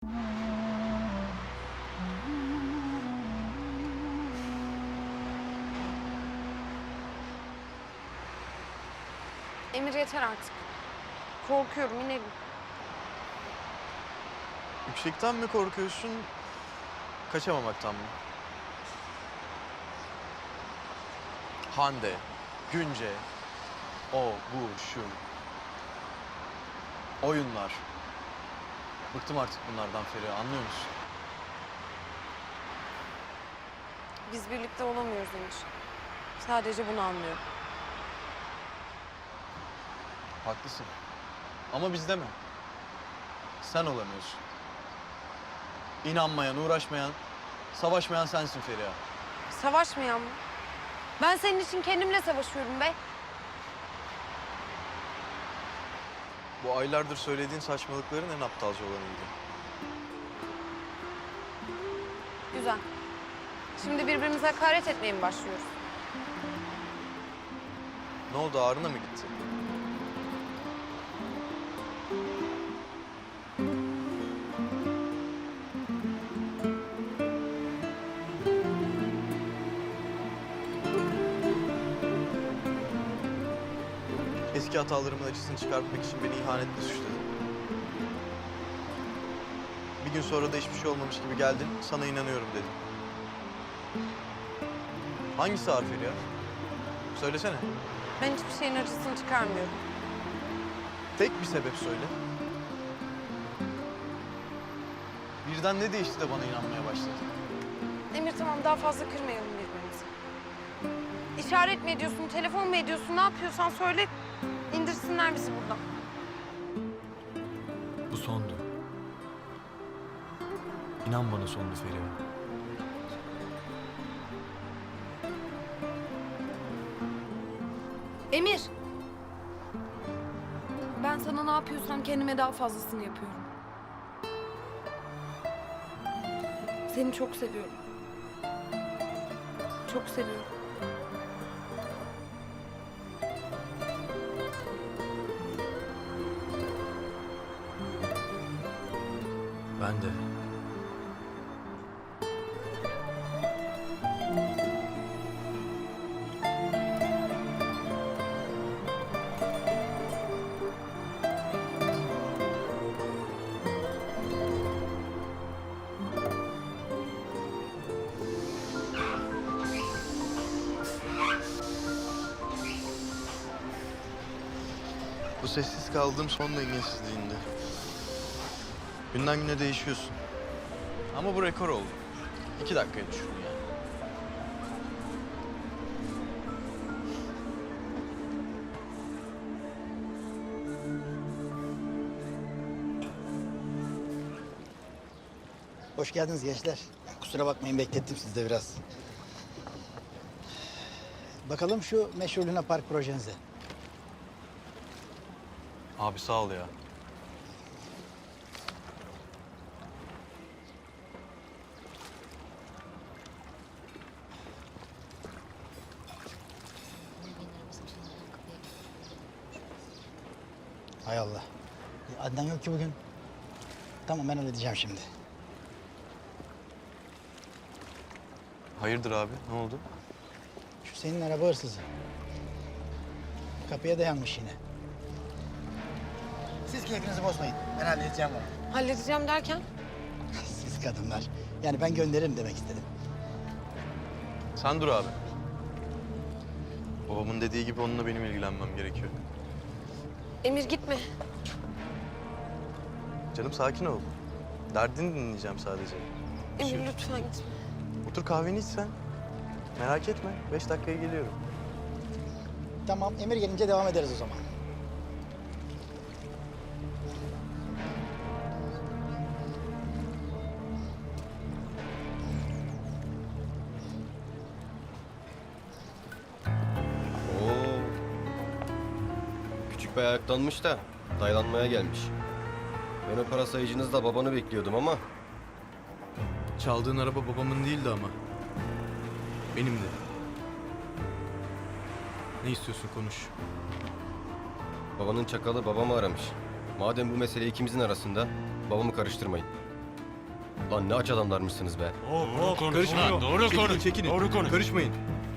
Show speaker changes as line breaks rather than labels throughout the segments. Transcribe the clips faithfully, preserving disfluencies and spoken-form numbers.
Emir yeter artık. Korkuyorum, inelim.
Yüksekten mi korkuyorsun, kaçamamaktan mı? Hande, Günce, o, bu, şu. Oyunlar. Bıktım artık bunlardan Feriha, anlıyor musun?
Biz birlikte olamıyoruz Emir. Sadece bunu anlıyorum.
Haklısın. Ama bizde mi? Sen olamıyorsun. İnanmayan, uğraşmayan, savaşmayan sensin Feriha.
Savaşmayan mı? Ben senin için kendimle savaşıyorum be.
Bu aylardır söylediğin saçmalıkların en aptalca olanıydı.
Güzel. Şimdi birbirimize hakaret etmeye mi başlıyoruz?
Ne oldu, ağrına mı gitti? Eski hatalarımın acısını çıkartmak için beni ihanetle suçladın. Bir gün sonra da hiçbir şey olmamış gibi geldin, sana inanıyorum dedin. Hangisi ağır Feriha? Söylesene.
Ben hiçbir şeyin acısını çıkarmıyorum.
Tek bir sebep söyle. Birden ne değişti de bana inanmaya başladın?
Emir tamam, daha fazla kırmayalım birbirimizi. İşaret mi ediyorsun, telefon mu ediyorsun, ne yapıyorsan söyle. İndirsinler bizi buradan.
Bu sondu. İnan bana sondu Feriha.
Emir! Ben sana ne yapıyorsam kendime daha fazlasını yapıyorum. Seni çok seviyorum. Çok seviyorum.
Ben de.
Bu sessiz kaldığım son dengesizliğinde. Günden güne değişiyorsun. Ama bu rekor oldu. İki dakikaya düşürdün yani.
Hoş geldiniz gençler. Kusura bakmayın, beklettim sizi de biraz. Bakalım şu meşhur Luna Park projenize.
Abi sağ ol ya.
Hay Allah. E, Adnan yok ki bugün. Tamam, ben halledeceğim şimdi.
Hayırdır abi, ne oldu?
Şu senin araba hırsızı. Kapıya dayanmış yine. Siz keyfinizi bozmayın. Ben halledeceğim onu.
Halledeceğim derken?
Siz kadınlar. Yani ben gönderirim demek istedim.
Sen dur abi. Babamın dediği gibi onunla benim ilgilenmem gerekiyor.
Emir gitme.
Canım sakin ol. Derdini dinleyeceğim sadece.
Emir lütfen gitme.
Otur kahveni iç sen. Merak etme. Beş dakikaya geliyorum.
Tamam, Emir gelince devam ederiz o zaman.
Oo. Küçük bir ayaklanmış da daylanmaya gelmiş. Ben o para sayıcınızda babanı bekliyordum ama
Çaldığın araba babamın değildi ama. Benim de. Ne istiyorsun, konuş.
babanın çakalı babamı aramış. Madem bu mesele ikimizin arasında babamı karıştırmayın. Lan ne aç adamlarmışsınız be.
Doğru konuş.
Karışmayın.
Doğru
çekilin,
konuş.
çekilin.
Doğru konuş.
Karışmayın.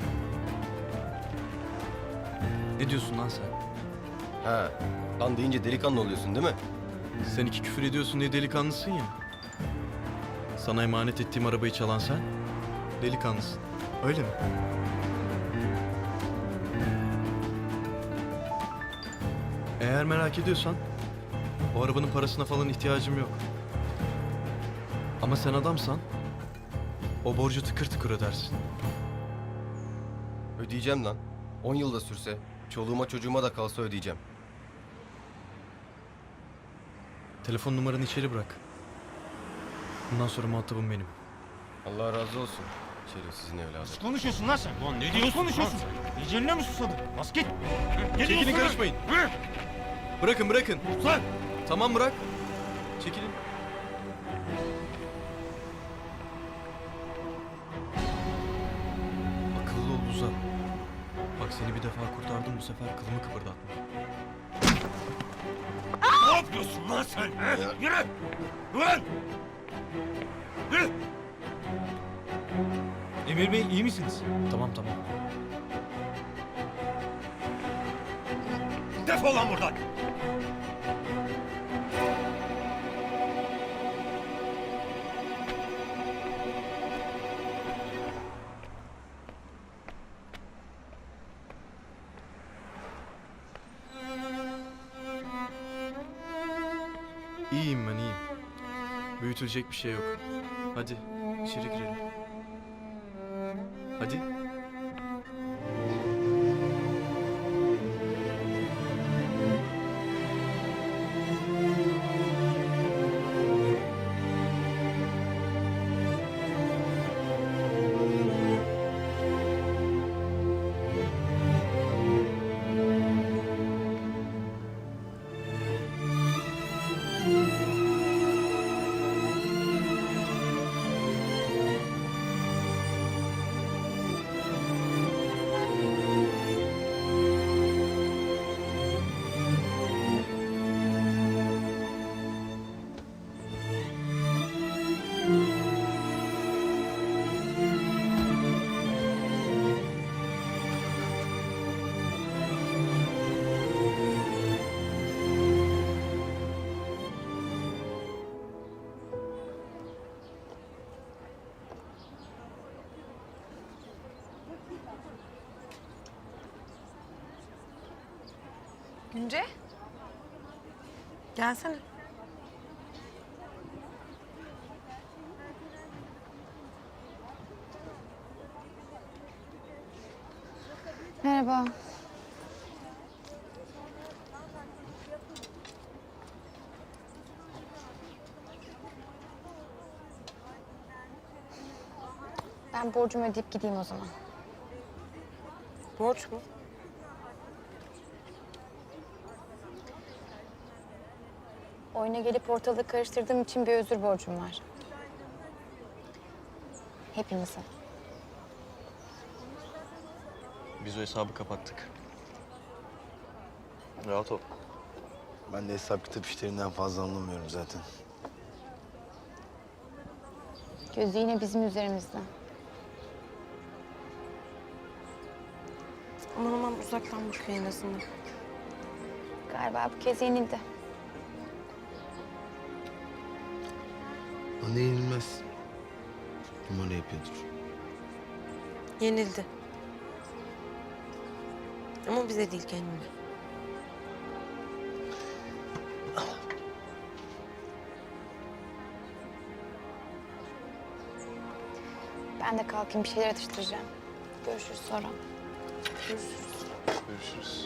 Ne diyorsun lan sen?
Ha, lan deyince delikanlı oluyorsun değil mi?
Sen iki küfür ediyorsun diye delikanlısın ya. Sana emanet ettiğim arabayı çalan sen, delikanlısın. Öyle mi? Eğer merak ediyorsan, o arabanın parasına falan ihtiyacım yok. Ama sen adamsan, o borcu tıkır tıkır ödersin.
Ödeyeceğim lan. On yılda sürse, çoluğuma çocuğuma da kalsa ödeyeceğim.
Telefon numaranı içeri bırak. Bundan sonra muhatabım benim.
Allah razı olsun. Şerefsizin evladı.
Nasıl konuşuyorsun lan sen? Lan ne diyorsun? konuşuyorsun? Eceline mi susadın? Bas git. Ne
Çekilin,
diyorsun lan?
karışmayın.
Hı?
Bırakın, bırakın.
Lan!
Tamam, bırak. Çekilin. Akıllı ol Uzan. Bak seni bir defa kurtardım, bu sefer kılımı kıpırdatma.
Ne yapıyorsun lan sen? He? Yürü! Ulan! Yürü! Emir Bey iyi misiniz?
Tamam, tamam.
Defol lan buradan!
İyiyim ben, iyiyim. Büyütülecek bir şey yok. Hadi, içeri girelim. Hadi.
Günce. Gelsene.
Merhaba. Ben borcumu ödeyip gideyim o zaman.
Borç mu?
Oyuna gelip ortalığı karıştırdığım için bir özür borcum var. Hepimize.
Biz o hesabı kapattık. Rahat ol.
Ben de hesap kitap işlerinden fazla anlamıyorum zaten.
Gözü yine bizim üzerimizde.
Aman aman uzaktan bakıyor en azından.
Galiba bu kez yenildi.
O ne yenilmez. Numara yapıyordur.
Yenildi. Ama bize değil kendine.
Ben de kalkayım bir şeyler atıştıracağım. Görüşürüz sonra.
Görüşürüz.
Görüşürüz.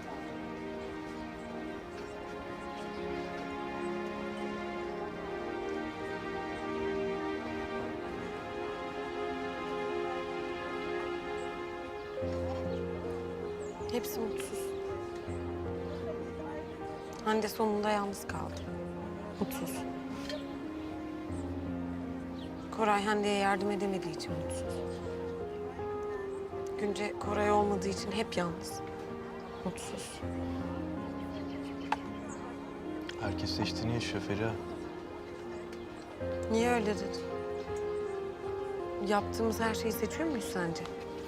Hepsi mutsuz. Hande sonunda yalnız kaldı. Mutsuz. Koray Hande'ye yardım edemediği için mutsuz. Günce Koray olmadığı için hep yalnız. Mutsuz.
Herkes seçtiğini yaşıyor Feriha.
Niye öyle dedin? Yaptığımız her şeyi seçiyor muyuz sence?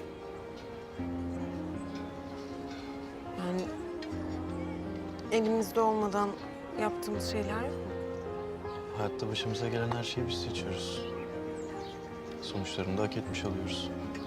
Yani elimizde olmadan yaptığımız şeyler yok mu?
Hayatta başımıza gelen her şeyi biz seçiyoruz. Sonuçlarını da hak etmiş oluyoruz.